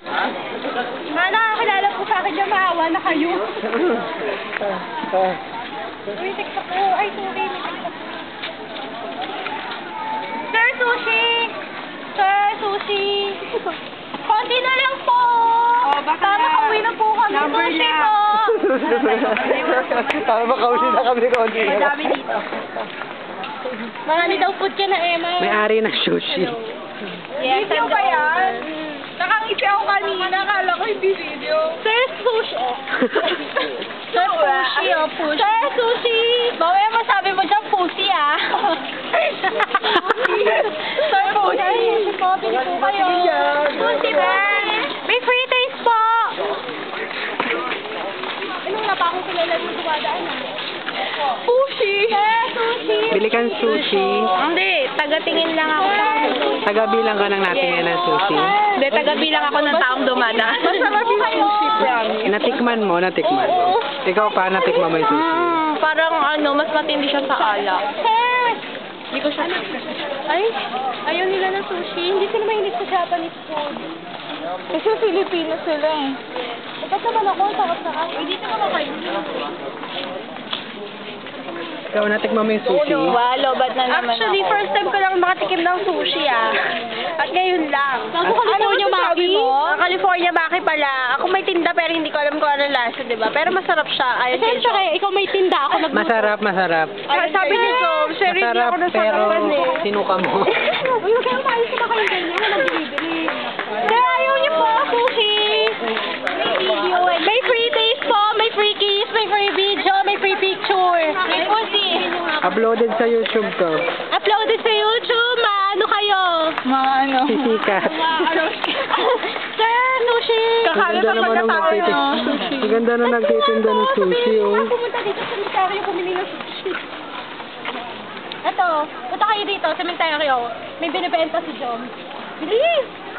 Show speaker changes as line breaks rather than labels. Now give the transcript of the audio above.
Nakakilala po sa akin yung maawa na kayo. Uy, TikTok ko. Ay, sorry. May TikTok. Sir Sushi! Sir Sushi! Konti na lang po!
baka
makauwi na po kami.
number
Sushi
lang.
po!
Makauwi na kami konti.
Madami dito.
Marami daw food ka na, Emma.
May-ari ng sushi.
Yes,
Video ba yan? Nakangisi ako kanina. Akala ko hindi video.
Sir Sushi. Sir Sushi, push. Sir Sushi! Mamaya masabi mo dyan, pussy, ah. Sir Sushi. Po, pili po kayo. Pussy ba? May free taste po. Ano na pa akong kilala yung dumadaan, ah? Sushi! Sir Sushi!
Bili kang sushi.
Hindi, taga-tingin lang ako.
Tagabilang ka ng natingin ng sushi.
Hindi, taga-bilang ako ng taong dumada. Masarap yung sushi, promise.
Natikman mo. Ikaw pa, natikman mo yung sushi.
Parang mas matindi siya sa alak.
Sir!
Hindi ko siya...
Ay, ayaw nila ng sushi. Hindi sila mahilig sa Japanese food.
Kasi Filipino sila eh.
Ba't naman ako? Sarap-sarap. Hindi ka makakain.
Ikaw, natikman mo yung sushi.
Walo, ba't na naman
Actually,
ako?
first time ko lang makatikim ng sushi, ah. At ngayon lang. Ako California Maki? California Maki pala. Ako may tinda pero hindi ko alam kung ano lasa, di ba? Pero masarap siya. Ayun kay Joe. Ikaw may tinda, ako
Masarap.
Sabi ni Joe, sir, hindi
Masarap,
ako
pero
nasarapan eh.
sinuka mo.
Uy, huwag kayo umayos sa kayo ganyan. Walang binibili. Sir, ayaw niyo po, sushi. May free taste po, may free kiss, may free video, may free picture. May pussy.
Uploaded sa YouTube to.
Uploaded sa YouTube, ano kayo?
Ano?
Sisikat.
Sir, sushi.
Ang ganda naman ng nagtitinda. Ang ganda na nagtitinda ng sushi, oh.
Pumunta dito sa cemetery bumili ng sushi. Ito, punta kayo dito sa cemetery. May binibenta si John. Bilis!